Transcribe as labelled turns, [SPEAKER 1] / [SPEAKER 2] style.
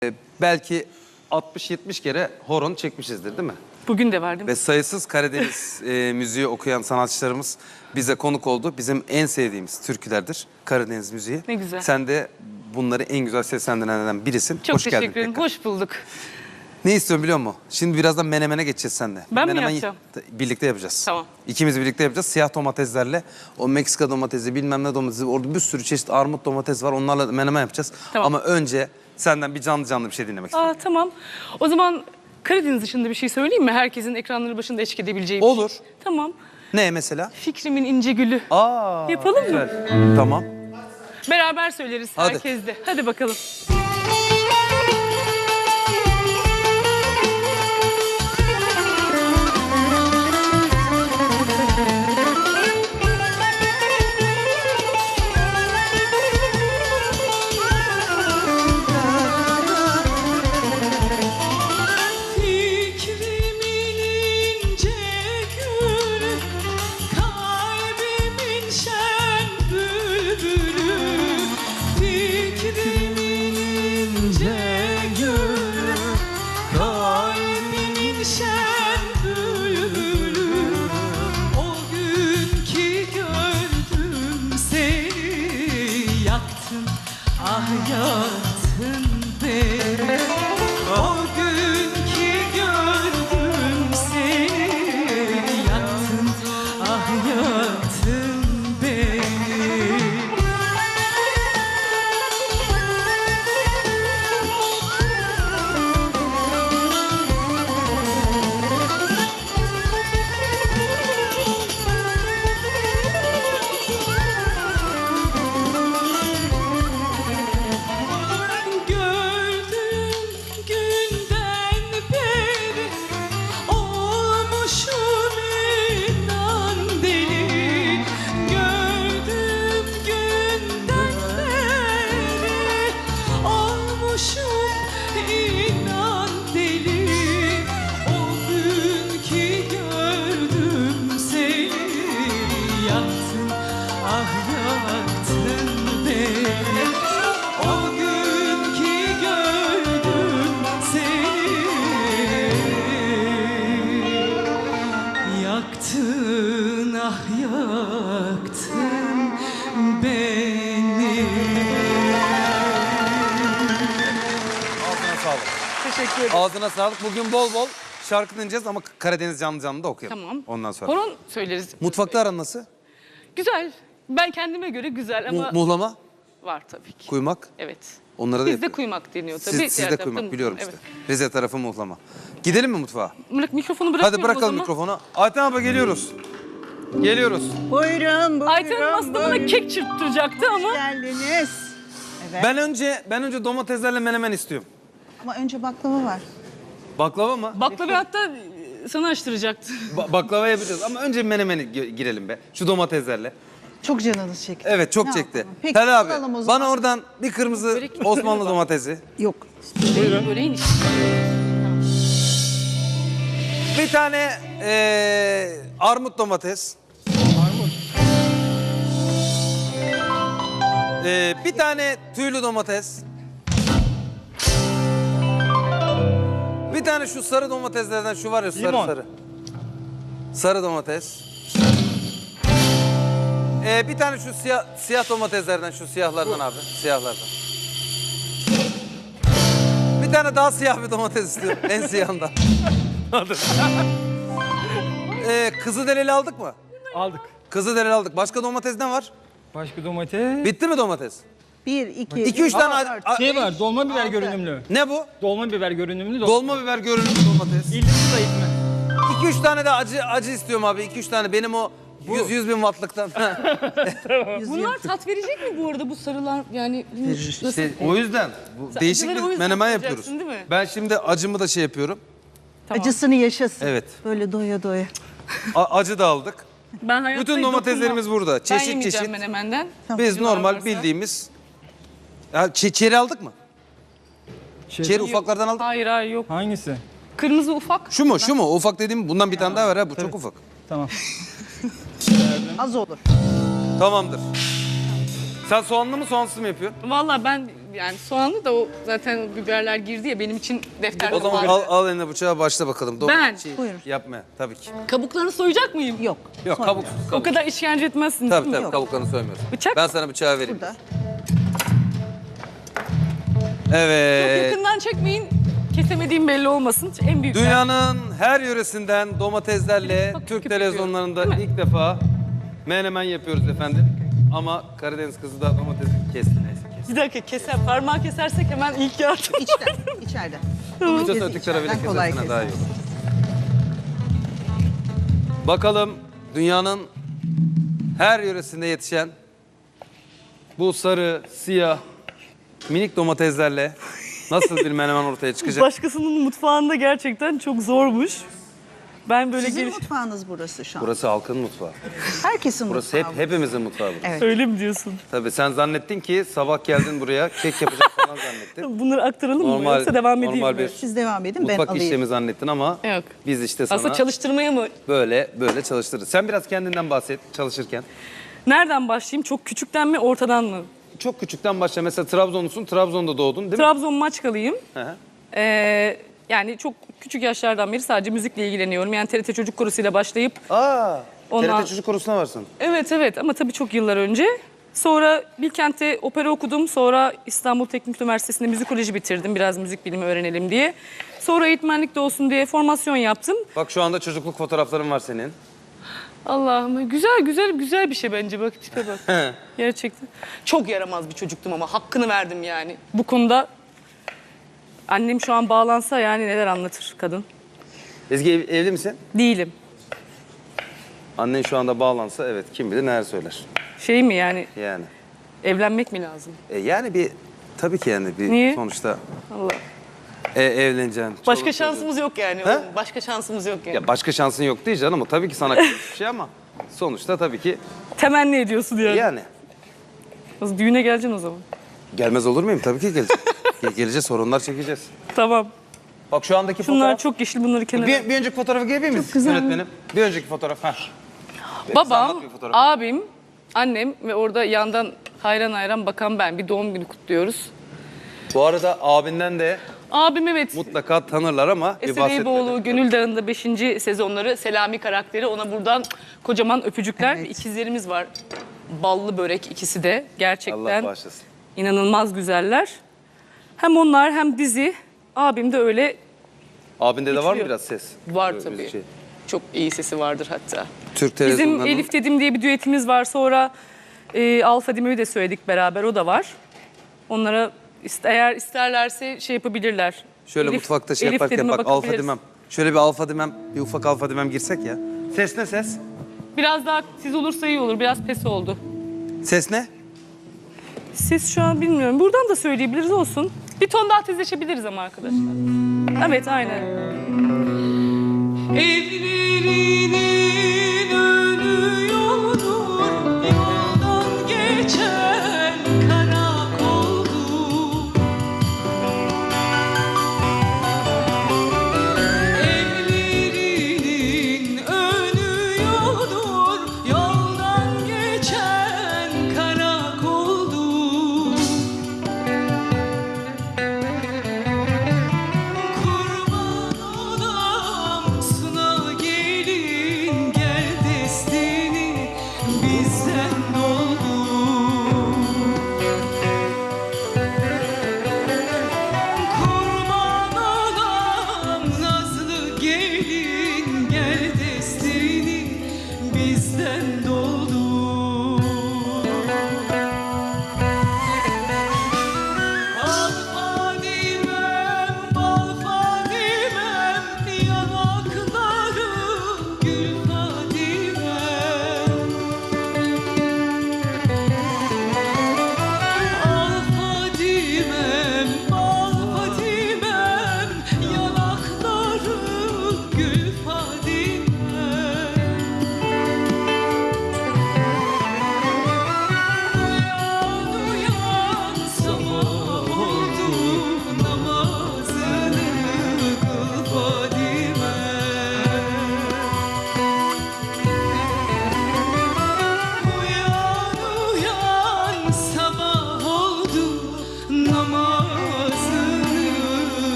[SPEAKER 1] Belki 60-70 kere horon çekmişizdir değil mi?
[SPEAKER 2] Bugün de var değil mi?
[SPEAKER 1] Ve sayısız Karadeniz müziği okuyan sanatçılarımız bize konuk oldu. Bizim en sevdiğimiz türkülerdir Karadeniz müziği.
[SPEAKER 2] Ne güzel.
[SPEAKER 1] Sen de bunları en güzel seslendirenlerden birisin.
[SPEAKER 2] Çok
[SPEAKER 1] Hoş geldin
[SPEAKER 2] teşekkür ederim.
[SPEAKER 1] tekrar.
[SPEAKER 2] Hoş bulduk.
[SPEAKER 1] Ne istiyorum biliyor musun? Şimdi birazdan menemene geçeceğiz seninle.
[SPEAKER 2] Ben mi
[SPEAKER 1] Menemen
[SPEAKER 2] yapacağım?
[SPEAKER 1] Birlikte yapacağız.
[SPEAKER 2] Tamam.
[SPEAKER 1] İkimiz birlikte yapacağız. Siyah domateslerle. O Meksika domatesi, bilmem ne domatesi. Orada bir sürü çeşit armut domates var. Onlarla menemen yapacağız.
[SPEAKER 2] Tamam.
[SPEAKER 1] Ama önce senden bir canlı bir şey dinlemek istiyorum.
[SPEAKER 2] Tamam. O zaman Karadeniz dışında bir şey söyleyeyim mi? Herkesin ekranları başında eşlik edebileceği bir
[SPEAKER 1] Olur.
[SPEAKER 2] şey. Tamam.
[SPEAKER 1] Ne mesela?
[SPEAKER 2] Fikrimin ince gülü. Yapalım mı?
[SPEAKER 1] Güzel. Tamam.
[SPEAKER 2] Beraber söyleriz
[SPEAKER 1] Hadi.
[SPEAKER 2] herkes de. Hadi bakalım.
[SPEAKER 3] Yaktın beni, o gün ki gördüm seni. Yaktın, ah yaktın beni. Yaktın, ah yaktın beni.
[SPEAKER 1] Ağzına sağlık.
[SPEAKER 2] Teşekkür ederim.
[SPEAKER 1] Ağzına sağlık. Bugün bol bol şarkı dinleyeceğiz ama Karadeniz canlı da okuyalım.
[SPEAKER 2] Tamam.
[SPEAKER 1] Ondan sonra.
[SPEAKER 2] Horon söyleriz.
[SPEAKER 1] Mutfakta aran nasıl?
[SPEAKER 2] Güzel. Ben kendime göre güzel ama
[SPEAKER 1] Muhlama,
[SPEAKER 2] var tabii ki.
[SPEAKER 1] kuymak.
[SPEAKER 2] Evet.
[SPEAKER 1] Onlara da
[SPEAKER 2] Bizde
[SPEAKER 1] yapıyor.
[SPEAKER 2] kuymak deniyor tabii.
[SPEAKER 1] Sizde
[SPEAKER 2] Diğer tarafta
[SPEAKER 1] kuymak biliyorum
[SPEAKER 2] muhlama.
[SPEAKER 1] işte. Rize tarafı muhlama. Gidelim mi mutfağa?
[SPEAKER 2] Evet. Mikrofonu bırakıyorum
[SPEAKER 1] Hadi bırakalım
[SPEAKER 2] o zaman.
[SPEAKER 1] mikrofonu. Ayten abla geliyoruz. Geliyoruz.
[SPEAKER 4] Buyurun, buyurun.
[SPEAKER 2] Ayten Hanım aslında bana kek çırptıracaktı ama
[SPEAKER 4] geldiniz. Evet.
[SPEAKER 1] Ben önce domateslerle menemen istiyorum.
[SPEAKER 4] Ama önce baklava var.
[SPEAKER 1] Baklava mı?
[SPEAKER 2] baklava hatta sana açtıracaktı.
[SPEAKER 1] Baklava yapacağız ama önce menemeni girelim be. Şu domateslerle.
[SPEAKER 4] Çok canınız çekti.
[SPEAKER 1] Evet çok
[SPEAKER 4] Ne
[SPEAKER 1] çekti.
[SPEAKER 4] yapalım? Peki,
[SPEAKER 1] Tali abi
[SPEAKER 4] alalım o zaman.
[SPEAKER 1] bana oradan bir kırmızı
[SPEAKER 2] Börek-
[SPEAKER 1] Osmanlı domatesi.
[SPEAKER 4] Yok.
[SPEAKER 2] Böreğin işte.
[SPEAKER 1] Bir tane armut domates. Bir tane tüylü domates. Bir tane şu sarı domateslerden şu var ya sarı. Sarı domates. Bir tane şu siyah domateslerden şu siyahlardan abi. Siyahlardan. Bir tane daha siyah bir domates istiyorum. En siyahından. Kızılderili aldık mı?
[SPEAKER 5] Aldık.
[SPEAKER 1] Kızılderili aldık. Başka domates ne var?
[SPEAKER 5] Başka domates.
[SPEAKER 1] Bitti mi domates?
[SPEAKER 4] 1, 2,
[SPEAKER 1] 2-3 tane...
[SPEAKER 5] Şey var, dolma biber görünümlü.
[SPEAKER 1] Ne bu?
[SPEAKER 5] Dolma biber görünümlü.
[SPEAKER 1] Dolma biber görünümlü domates.
[SPEAKER 5] İlgisi zayıf mı?
[SPEAKER 1] 2-3 tane de acı istiyorum abi. 2-3 tane benim o 100 bin wattlıktan.
[SPEAKER 2] Bunlar tat verecek mi bu arada bu sarılar yani? Nasıl?
[SPEAKER 1] İşte o yüzden bu değişik
[SPEAKER 2] acıları o
[SPEAKER 1] bir
[SPEAKER 2] yüzden
[SPEAKER 1] menemen
[SPEAKER 2] yapacaksın,
[SPEAKER 1] yapıyoruz.
[SPEAKER 2] değil mi?
[SPEAKER 1] Ben şimdi acımı da şey yapıyorum.
[SPEAKER 2] Tamam.
[SPEAKER 4] acısını yaşasın.
[SPEAKER 1] Evet.
[SPEAKER 4] Böyle doya doya.
[SPEAKER 1] Acı da aldık.
[SPEAKER 2] Ben hayatta
[SPEAKER 1] Bütün domateslerimiz burada.
[SPEAKER 2] Ben
[SPEAKER 1] Çeşit
[SPEAKER 2] yemeyeceğim
[SPEAKER 1] çeşit.
[SPEAKER 2] menemenden.
[SPEAKER 1] Biz
[SPEAKER 2] Acılar
[SPEAKER 1] normal
[SPEAKER 2] varsa.
[SPEAKER 1] bildiğimiz... Ya, çeri aldık mı? Çeri ufaklardan aldık.
[SPEAKER 2] Hayır yok.
[SPEAKER 5] Hangisi?
[SPEAKER 2] Kırmızı ufak.
[SPEAKER 1] Şu mu? Şu mu? O ufak dediğim bundan bir tane daha var ha. Bu çok ufak.
[SPEAKER 5] Tamam.
[SPEAKER 4] Az olur.
[SPEAKER 1] Tamamdır. Sen soğanlı mı soğansız mı yapıyorsun?
[SPEAKER 2] Vallahi ben Yani soğanlı da o zaten biberler girdi ya benim için defter
[SPEAKER 1] O zaman
[SPEAKER 2] kapağı.
[SPEAKER 1] al eline bıçağı başla bakalım.
[SPEAKER 2] Ben?
[SPEAKER 4] Buyurun.
[SPEAKER 1] Yapma tabii ki.
[SPEAKER 2] Kabuklarını soyacak mıyım?
[SPEAKER 4] Yok.
[SPEAKER 1] Yok
[SPEAKER 4] Sonra.
[SPEAKER 1] kabuk.
[SPEAKER 2] O kadar işkence etmezsiniz
[SPEAKER 1] Tabii
[SPEAKER 2] değil mi?
[SPEAKER 1] tabii kabuklarını soymuyorsun.
[SPEAKER 2] Bıçak?
[SPEAKER 1] Ben sana bıçağı vereyim.
[SPEAKER 4] Burada.
[SPEAKER 1] Evet.
[SPEAKER 2] Yakından çekmeyin. Kesemediğim belli olmasın. En büyük.
[SPEAKER 1] Dünyanın her yöresinden domateslerle
[SPEAKER 2] Bak,
[SPEAKER 1] Türk
[SPEAKER 2] küp
[SPEAKER 1] televizyonlarında
[SPEAKER 2] yapıyor, değil
[SPEAKER 1] ilk defa menemen yapıyoruz efendim. Ama Karadeniz kızı da domatesi kesti neyse kesti.
[SPEAKER 2] Bir dakika parmağı kesersek hemen ilk yardım.
[SPEAKER 4] İçten, içeride.
[SPEAKER 1] İstiyorsan öteki tarafıyla
[SPEAKER 4] içeriden kolay
[SPEAKER 1] kesersene daha iyi
[SPEAKER 4] kesin.
[SPEAKER 1] olur. Bakalım dünyanın her yöresinde yetişen bu sarı, siyah, minik domateslerle nasıl bir menemen ortaya çıkacak?
[SPEAKER 2] Başkasının mutfağında gerçekten çok zormuş. Ben böyle
[SPEAKER 4] Sizin
[SPEAKER 2] geliş...
[SPEAKER 4] mutfağınız burası şu an.
[SPEAKER 1] Burası halkın mutfağı.
[SPEAKER 4] Herkesin
[SPEAKER 1] Burası
[SPEAKER 4] mutfağı.
[SPEAKER 1] hepimizin mutfağı. burası.
[SPEAKER 4] Evet.
[SPEAKER 2] Öyle mi diyorsun?
[SPEAKER 1] Tabii sen zannettin ki sabah geldin buraya kek yapacak falan zannettin.
[SPEAKER 2] Bunları aktaralım mı yoksa devam edeyim
[SPEAKER 1] normal
[SPEAKER 2] mi?
[SPEAKER 1] bir
[SPEAKER 4] Siz devam edin, ben
[SPEAKER 1] mutfak
[SPEAKER 4] alayım.
[SPEAKER 1] işlemi zannettin ama
[SPEAKER 2] Yok.
[SPEAKER 1] biz işte sana
[SPEAKER 2] Aslında çalıştırmaya mı?
[SPEAKER 1] böyle çalıştırırız. Sen biraz kendinden bahset çalışırken.
[SPEAKER 2] Nereden başlayayım? Çok küçükten mi, ortadan mı?
[SPEAKER 1] Çok küçükten başla. Mesela Trabzonlusun, Trabzon'da doğdun değil mi?
[SPEAKER 2] Trabzon Maçkalıyım.
[SPEAKER 1] Hı hı.
[SPEAKER 2] Yani çok küçük yaşlardan beri sadece müzikle ilgileniyorum. Yani TRT Çocuk Korusu'yla başlayıp...
[SPEAKER 1] Aa,
[SPEAKER 2] Ondan-
[SPEAKER 1] TRT Çocuk Korusu'na varsın.
[SPEAKER 2] Evet ama tabii çok yıllar önce. Sonra Bilkent'te opera okudum. Sonra İstanbul Teknik Üniversitesi'nde müzikoloji bitirdim. Biraz müzik bilimi öğrenelim diye. Sonra eğitmenlik de olsun diye formasyon yaptım.
[SPEAKER 1] Bak şu anda çocukluk fotoğrafların var senin.
[SPEAKER 2] Allah'ım güzel bir şey bence. Bak tipe bak. Gerçekten. Çok yaramaz bir çocuktum ama hakkını verdim yani. Bu konuda annem şu an bağlansa yani neler anlatır kadın.
[SPEAKER 1] Ezgi evli misin?
[SPEAKER 2] Değilim.
[SPEAKER 1] Annen şu anda bağlansa evet kim bilir neler söyler.
[SPEAKER 2] Şey mi yani
[SPEAKER 1] Yani.
[SPEAKER 2] evlenmek mi lazım?
[SPEAKER 1] Yani bir tabii ki yani bir
[SPEAKER 2] Niye?
[SPEAKER 1] sonuçta
[SPEAKER 2] Allah.
[SPEAKER 1] evleneceksin.
[SPEAKER 2] Başka
[SPEAKER 1] çoluk
[SPEAKER 2] şansımız yok yani.
[SPEAKER 1] He?
[SPEAKER 2] Başka şansımız yok yani.
[SPEAKER 1] Ya başka şansın yok değil canım. O tabii ki sana bir şey ama sonuçta tabii ki
[SPEAKER 2] Temenni ediyorsun yani.
[SPEAKER 1] yani.
[SPEAKER 2] Nasıl, düğüne geleceksin o zaman.
[SPEAKER 1] Gelmez olur muyum? Tabii ki geleceğiz. Geleceğiz, sorunlar çekeceğiz.
[SPEAKER 2] Tamam.
[SPEAKER 1] Bak şu andaki
[SPEAKER 2] Şunlar
[SPEAKER 1] fotoğraf.
[SPEAKER 2] çok yeşil, bunları kenara.
[SPEAKER 1] Bir önceki fotoğrafı görebilir miyiz
[SPEAKER 2] güzel.
[SPEAKER 1] yönetmenim? Bir önceki fotoğraf. Heh.
[SPEAKER 2] Babam,
[SPEAKER 1] Anlat bir fotoğrafı.
[SPEAKER 2] abim, annem ve orada yandan hayran bakan ben. Bir doğum günü kutluyoruz.
[SPEAKER 1] Bu arada abinden de
[SPEAKER 2] Abim evet.
[SPEAKER 1] mutlaka tanırlar ama bir
[SPEAKER 2] Eser
[SPEAKER 1] bahsetmedi.
[SPEAKER 2] Eyüboğlu Gönül Dağı'nda 5. sezonları Selami karakteri. Ona buradan kocaman öpücükler.
[SPEAKER 4] Evet.
[SPEAKER 2] İkizlerimiz var. Ballı börek ikisi de.
[SPEAKER 1] Allah
[SPEAKER 2] Gerçekten
[SPEAKER 1] bağışlasın.
[SPEAKER 2] inanılmaz güzeller. Hem onlar hem dizi. Abim de öyle
[SPEAKER 1] Abinde de var mı
[SPEAKER 2] Bitiriyor.
[SPEAKER 1] biraz ses?
[SPEAKER 2] var
[SPEAKER 1] Böyle
[SPEAKER 2] tabii.
[SPEAKER 1] müzik.
[SPEAKER 2] Çok iyi sesi vardır hatta.
[SPEAKER 1] Türk
[SPEAKER 2] Bizim
[SPEAKER 1] televizyonlarının
[SPEAKER 2] Elif Dedim diye bir düetimiz var. Sonra Alfa Dime'yi de söyledik beraber. O da var. Onlara eğer isterlerse şey yapabilirler.
[SPEAKER 1] şöyle
[SPEAKER 2] Elif-
[SPEAKER 1] mutfakta şey
[SPEAKER 2] Elif
[SPEAKER 1] yaparken
[SPEAKER 2] Dedim'e
[SPEAKER 1] bak alfa
[SPEAKER 2] bakabiliriz.
[SPEAKER 1] dimem. Şöyle bir alfa dimem, bir ufak alfa dimem girsek ya. Ses ne ses?
[SPEAKER 2] Biraz daha tiz olursa iyi olur. Biraz pes oldu.
[SPEAKER 1] Ses ne?
[SPEAKER 2] Ses şu an bilmiyorum. Buradan da söyleyebiliriz olsun. Bir ton daha tizleşebiliriz ama arkadaşlar. Evet aynen.
[SPEAKER 3] Evlerine